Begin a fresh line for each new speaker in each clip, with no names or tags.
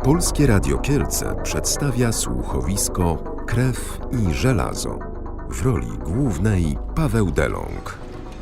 Polskie Radio Kielce przedstawia słuchowisko Krew i żelazo. W roli głównej Paweł Delong.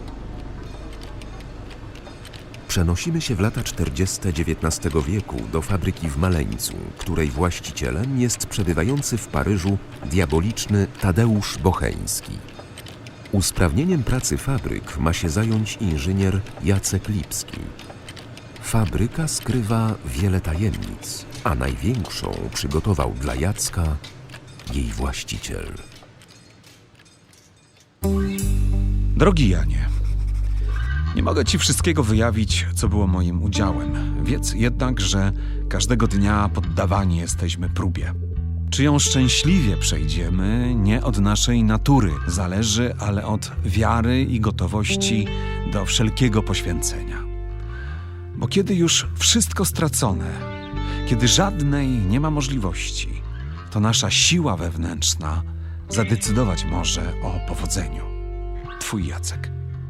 Przenosimy się w lata 40. XIX wieku do fabryki w Maleńcu, której właścicielem jest przebywający w Paryżu diaboliczny Tadeusz Bocheński. Usprawnieniem pracy fabryk ma się zająć inżynier Jacek Lipski. Fabryka skrywa wiele tajemnic, a największą przygotował dla Jacka jej właściciel.
Drogi Janie, nie mogę ci wszystkiego wyjawić, co było moim udziałem. Wiedz jednak, że każdego dnia poddawani jesteśmy próbie. Czy ją szczęśliwie przejdziemy, nie od naszej natury zależy, ale od wiary i gotowości do wszelkiego poświęcenia. Bo kiedy już wszystko stracone, kiedy żadnej nie ma możliwości, to nasza siła wewnętrzna zadecydować może o powodzeniu. Twój Jacek.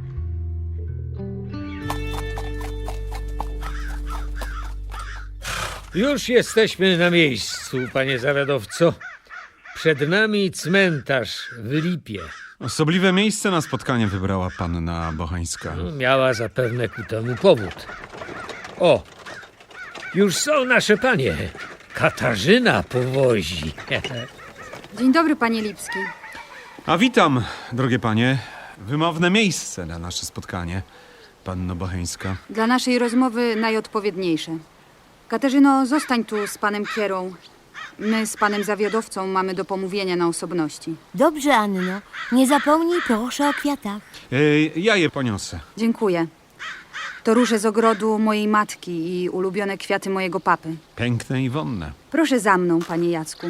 Już jesteśmy na miejscu, panie zawiadowco. Przed nami cmentarz w Lipie.
Osobliwe miejsce na spotkanie wybrała panna Bocheńska.
Miała zapewne ku temu powód. O, już są nasze panie. Katarzyna powozi.
Dzień dobry, panie Lipski.
A witam, drogie panie. Wymowne miejsce na nasze spotkanie, panno Bocheńska.
Dla naszej rozmowy najodpowiedniejsze. Katarzyno, zostań tu z panem Kierą. My z panem zawiadowcą mamy do pomówienia na osobności.
Dobrze, Anno. Nie zapomnij proszę o kwiatach.
Ja je poniosę.
Dziękuję. To róże z ogrodu mojej matki i ulubione kwiaty mojego papy.
Piękne i wonne.
Proszę za mną, panie Jacku.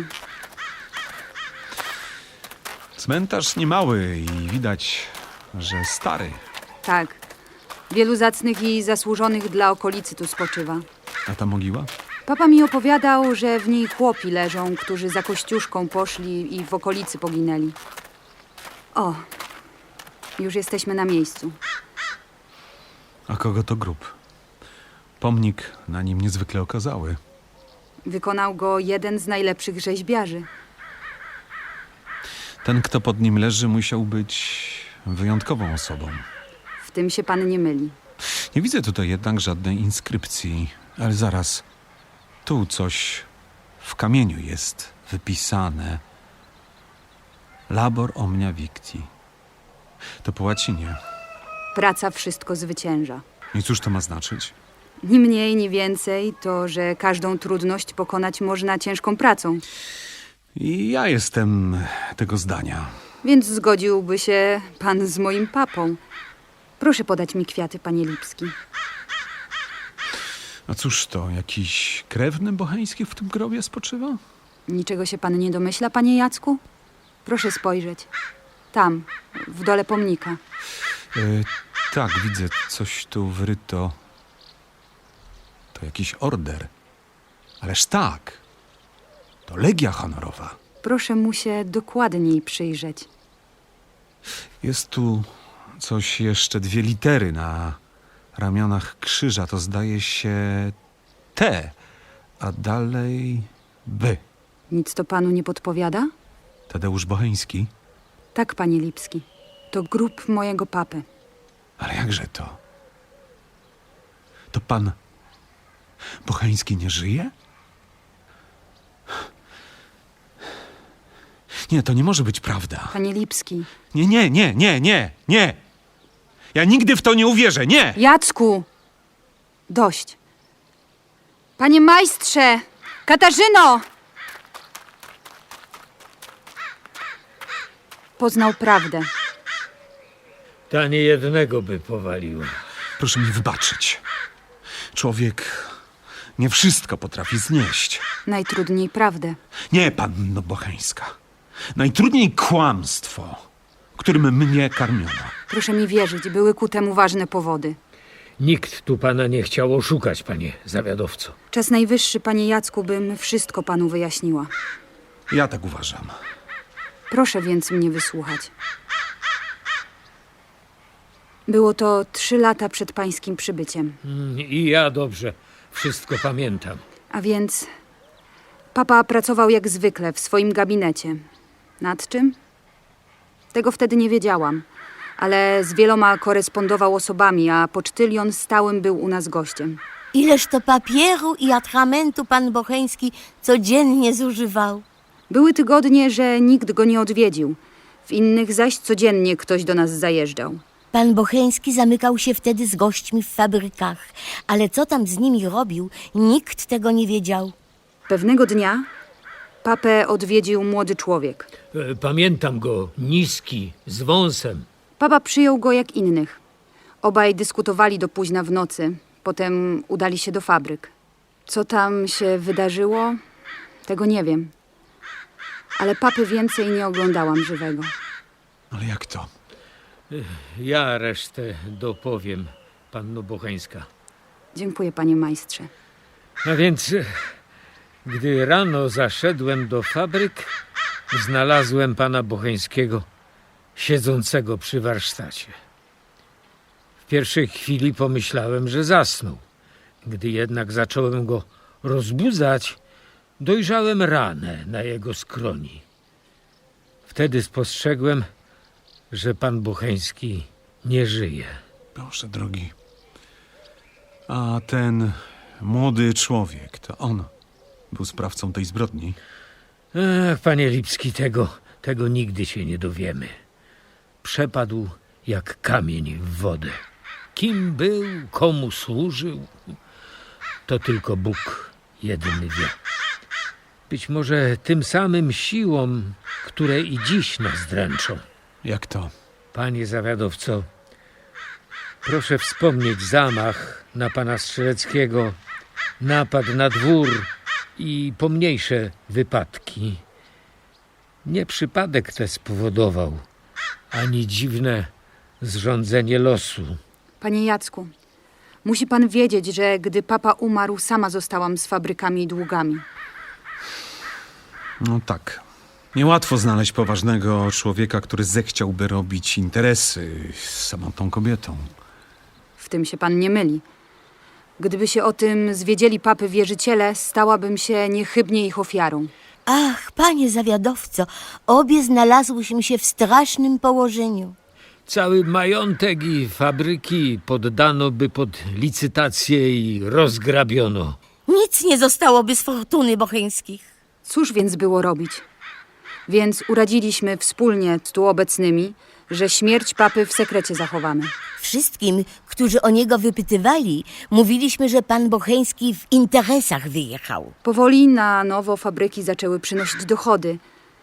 Cmentarz niemały i widać, że stary.
Tak. Wielu zacnych i zasłużonych dla okolicy tu spoczywa.
A ta mogiła?
Papa mi opowiadał, że w niej chłopi leżą, którzy za Kościuszką poszli i w okolicy poginęli. O, już jesteśmy na miejscu.
A kogo to grób? Pomnik na nim niezwykle okazały.
Wykonał go jeden z najlepszych rzeźbiarzy.
Ten, kto pod nim leży, musiał być wyjątkową osobą.
W tym się pan nie myli.
Nie widzę tutaj jednak żadnej inskrypcji, ale zaraz. Tu coś w kamieniu jest wypisane. Labor omnia victi. To po łacinie.
Praca wszystko zwycięża.
I cóż to ma znaczyć?
Ni mniej, ni więcej to, że każdą trudność pokonać można ciężką pracą.
I ja jestem tego zdania.
Więc zgodziłby się pan z moim papą. Proszę podać mi kwiaty, panie Lipski.
A cóż to, jakiś krewny Bocheński w tym grobie spoczywa?
Niczego się pan nie domyśla, panie Jacku? Proszę spojrzeć. Tam, w dole pomnika.
Tak, widzę, coś tu wryto. To jakiś order. Ależ tak, to Legia Honorowa.
Proszę mu się dokładniej przyjrzeć.
Jest tu coś jeszcze, 2 litery na ramionach krzyża. To zdaje się T, a dalej B.
Nic to panu nie podpowiada?
Tadeusz Bocheński?
Tak, panie Lipski. To grób mojego papy.
Ale jakże to? To pan Bocheński nie żyje? Nie, to nie może być prawda.
Panie Lipski.
Nie. Ja nigdy w to nie uwierzę, nie!
Jacku! Dość. Panie majstrze! Katarzyno! Poznał prawdę.
Ta niejednego by powaliła.
Proszę mi wybaczyć. Człowiek nie wszystko potrafi znieść.
Najtrudniej prawdę.
Nie, panno Bocheńska. Najtrudniej kłamstwo, którym mnie karmiono.
Proszę mi wierzyć, były ku temu ważne powody.
Nikt tu pana nie chciał oszukać, panie zawiadowco.
Czas najwyższy, panie Jacku, bym wszystko panu wyjaśniła.
Ja tak uważam.
Proszę więc mnie wysłuchać. Było to 3 lata przed pańskim przybyciem.
I ja dobrze wszystko pamiętam.
A więc Papa pracował jak zwykle w swoim gabinecie. Nad czym? Tego wtedy nie wiedziałam, ale z wieloma korespondował osobami, a pocztylion stałym był u nas gościem.
Ileż to papieru i atramentu pan Bocheński codziennie zużywał.
Były tygodnie, że nikt go nie odwiedził. W innych zaś codziennie ktoś do nas zajeżdżał.
Pan Bocheński zamykał się wtedy z gośćmi w fabrykach, ale co tam z nimi robił, nikt tego nie wiedział.
Pewnego dnia papę odwiedził młody człowiek.
Pamiętam go, niski, z wąsem.
Papa przyjął go jak innych. Obaj dyskutowali do późna w nocy. Potem udali się do fabryk. Co tam się wydarzyło, tego nie wiem. Ale papy więcej nie oglądałam żywego.
Ale jak to?
Ja resztę dopowiem, panno Bocheńska.
Dziękuję, panie majstrze.
A więc, gdy rano zaszedłem do fabryk, znalazłem pana Bocheńskiego siedzącego przy warsztacie. W pierwszej chwili pomyślałem, że zasnął. Gdy jednak zacząłem go rozbudzać, dojrzałem ranę na jego skroni. Wtedy spostrzegłem, że pan Bocheński nie żyje.
Boże drogi. A ten młody człowiek, to on był sprawcą tej zbrodni?
Ach, panie Lipski, tego nigdy się nie dowiemy. Przepadł jak kamień w wodę. Kim był, komu służył, to tylko Bóg jedyny wie. Być może tym samym siłom, które i dziś nas dręczą.
Jak to?
Panie zawiadowco, proszę wspomnieć zamach na pana Strzeleckiego, napad na dwór i pomniejsze wypadki. Nie przypadek te spowodował, ani dziwne zrządzenie losu.
Panie Jacku, musi pan wiedzieć, że gdy papa umarł, sama zostałam z fabrykami i długami.
No tak. Niełatwo znaleźć poważnego człowieka, który zechciałby robić interesy z samą tą kobietą.
W tym się pan nie myli. Gdyby się o tym zwiedzieli papy wierzyciele, stałabym się niechybnie ich ofiarą.
Ach, panie zawiadowco, obie znalazłyśmy się w strasznym położeniu.
Cały majątek i fabryki poddano by pod licytację i rozgrabiono.
Nic nie zostałoby z fortuny Bocheńskich.
Cóż więc było robić? Więc uradziliśmy wspólnie z tu obecnymi, że śmierć papy w sekrecie zachowamy.
Wszystkim, którzy o niego wypytywali, mówiliśmy, że pan Bocheński w interesach wyjechał.
Powoli na nowo fabryki zaczęły przynosić dochody.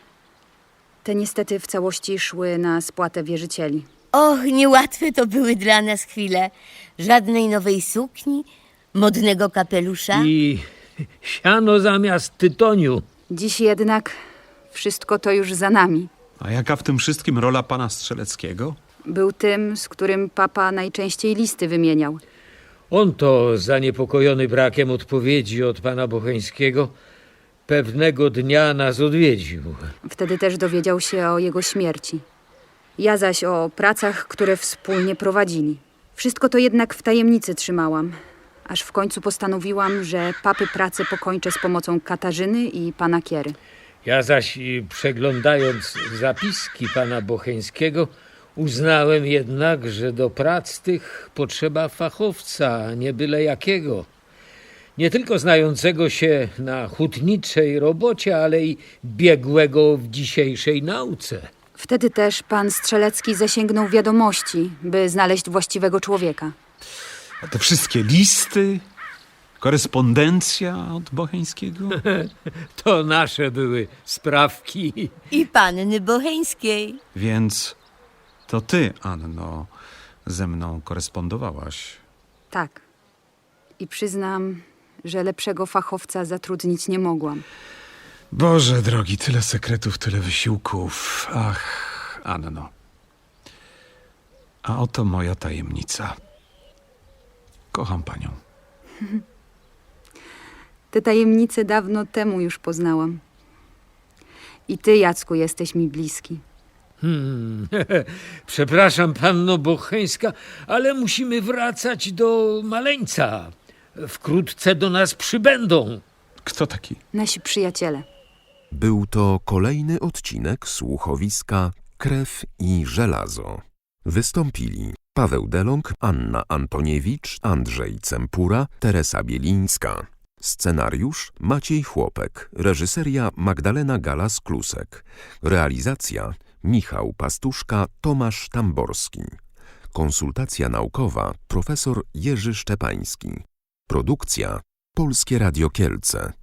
Te niestety w całości szły na spłatę wierzycieli.
Och, niełatwe to były dla nas chwile. Żadnej nowej sukni, modnego kapelusza.
I siano zamiast tytoniu.
Dziś jednak wszystko to już za nami.
A jaka w tym wszystkim rola pana Strzeleckiego?
Był tym, z którym papa najczęściej listy wymieniał.
On to, zaniepokojony brakiem odpowiedzi od pana Bocheńskiego, pewnego dnia nas odwiedził.
Wtedy też dowiedział się o jego śmierci. Ja zaś o pracach, które wspólnie prowadzili. Wszystko to jednak w tajemnicy trzymałam, aż w końcu postanowiłam, że papy pracę pokończę z pomocą Katarzyny i pana Kiery.
Ja zaś, przeglądając zapiski pana Bocheńskiego, uznałem jednak, że do prac tych potrzeba fachowca, nie byle jakiego. Nie tylko znającego się na hutniczej robocie, ale i biegłego w dzisiejszej nauce.
Wtedy też pan Strzelecki zasięgnął wiadomości, by znaleźć właściwego człowieka.
A te wszystkie listy, korespondencja od Bocheńskiego?
To nasze były sprawki.
I panny Bocheńskiej.
Więc to ty, Anno, ze mną korespondowałaś.
Tak. I przyznam, że lepszego fachowca zatrudnić nie mogłam.
Boże drogi, tyle sekretów, tyle wysiłków. Ach, Anno. A oto moja tajemnica. Kocham panią.
Te tajemnice dawno temu już poznałam. I ty, Jacku, jesteś mi bliski.
Przepraszam, panno Bocheńska, ale musimy wracać do maleńca. Wkrótce do nas przybędą.
Kto taki?
Nasi przyjaciele.
Był to kolejny odcinek słuchowiska Krew i żelazo. Wystąpili Paweł Delong, Anna Antoniewicz, Andrzej Cempura, Teresa Bielińska. Scenariusz Maciej Chłopek, reżyseria Magdalena Galas-Klusek, realizacja Michał Pastuszka, Tomasz Tamborski, konsultacja naukowa profesor Jerzy Szczepański, produkcja Polskie Radio Kielce.